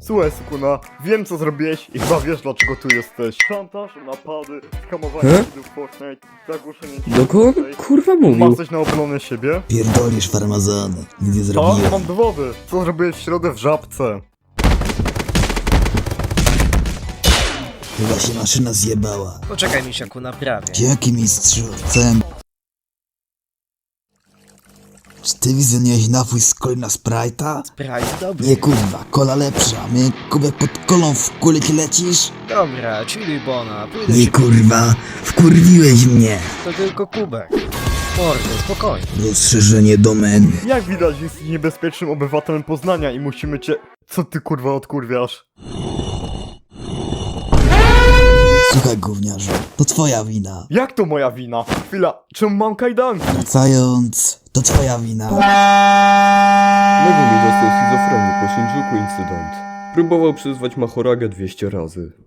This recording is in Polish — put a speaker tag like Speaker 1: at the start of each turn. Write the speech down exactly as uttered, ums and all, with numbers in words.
Speaker 1: Słuchaj, Sukuna, wiem co zrobiłeś i chyba wiesz dlaczego tu jesteś. Szantaż, napady, skamowanie
Speaker 2: He?
Speaker 1: widzów Fortnite, zagłuszenie...
Speaker 2: Do kogo on, kurwa mówił?
Speaker 1: Masz coś na obronę siebie?
Speaker 3: Pierdolisz farmazony, nic nie
Speaker 1: Co?
Speaker 3: zrobiłem.
Speaker 1: Mam dowody. Co zrobiłeś w środę w Żabce?
Speaker 3: Chyba się maszyna zjebała.
Speaker 4: Poczekaj, misiaku, naprawię.
Speaker 3: Jaki mistrzu? Co ja... Czy ty wizjonujesz napój z coli na Sprite'a?
Speaker 4: Sprite dobry.
Speaker 3: Nie kurwa, kola lepsza. Mnie kubek pod kolą w kuliki lecisz?
Speaker 4: Dobra, chilluj bona, pójdę
Speaker 3: Nie
Speaker 4: ci...
Speaker 3: kurwa, wkurwiłeś mnie.
Speaker 4: To tylko kubek. Mordo, spokojnie.
Speaker 3: Rozszerzenie domeny.
Speaker 1: Jak widać, jesteś niebezpiecznym obywatelem Poznania i musimy cię... Co ty kurwa odkurwiasz?
Speaker 3: Słuchaj gówniarzu, to twoja wina.
Speaker 1: Jak to moja wina? Chwila, czemu mam kajdanki?
Speaker 3: Wracając, to twoja wina.
Speaker 2: Megumi dostał schizofrenię po Shinjuku incydent. Próbował przyzwać Mahoragę dwieście razy.